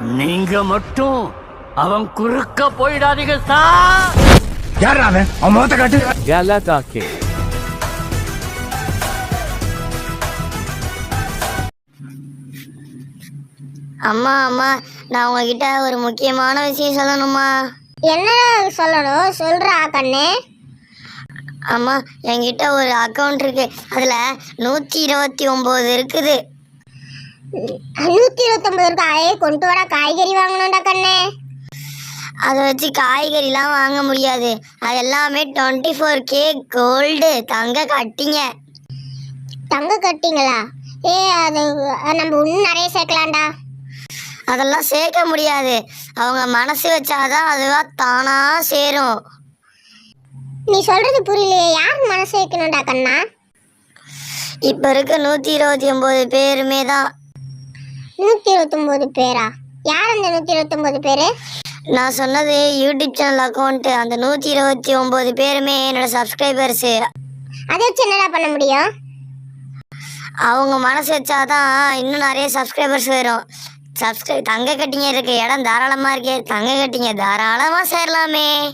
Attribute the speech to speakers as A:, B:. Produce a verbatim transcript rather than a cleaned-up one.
A: நீங்க மட்டும் அவன் குறுக்க போயிடாதீங்க சார்.
B: யாரா அவன்? அவன் முகத்தை காட்டு.
C: Galatake.
D: அம்மா அம்மா நான் உங்ககிட்ட ஒரு முக்கியமான விஷயம் சொல்லணுமா?
E: என்ன சொல்லணும் சொல்றா கண்ணே.
D: அம்மா என்கிட்ட ஒரு அக்கௌண்ட் இருக்கு, அதுல நூத்தி இருபத்தி ஒன்பது இருக்குது.
E: நூத்தி இருபத்தி ஒன்பது இருக்கா? ஏ கொண்டு வர காய்கறி வாங்கணும்டா கண்ணே.
D: அதை வச்சு காய்கறிலாம் வாங்க முடியாது, அது எல்லாமே டுவெண்ட்டி ஃபோர் கே கோல்டு தங்க கட்டிங்க.
E: தங்க கட்டிங்களா? ஏ அது நம்ம இன்னும் நிறைய சேர்க்கலாம்டா.
D: அதெல்லாம் சேர்க்க முடியாது, அவங்க மனசு வச்சாதான் அதுவா தானா சேரும்.
E: நீ சொல்றது புரியலையே, யார் மனசு வைக்கணும்டா கண்ணா?
D: இப்ப இருக்க நூத்தி இருபத்தி ஒன்பது பேருமே தான்.
E: நூத்தி இருபத்தி ஒன்பது பேரா? யார் அந்த நூத்தி இருபத்தி ஒன்பது பேரு?
D: நான் சொன்னது யூடியூப் சேனல் அக்கௌண்ட். அந்த நூத்தி இருபத்தி ஒன்பது பேருமே என்னோட சப்ஸ்கிரைபர்ஸ்.
E: அதை வச்சு என்னடா பண்ண முடியும்?
D: அவங்க மனசு வச்சாதான் இன்னும் நிறைய சப்ஸ்கிரைபர்ஸ் வரும். சப்ஸ்கிரைப் தங்க கட்டிங்க இருக்கு, இடம் தாராளமா இருக்கே, தங்க கட்டிங்க தாராளமா சேரலாமே.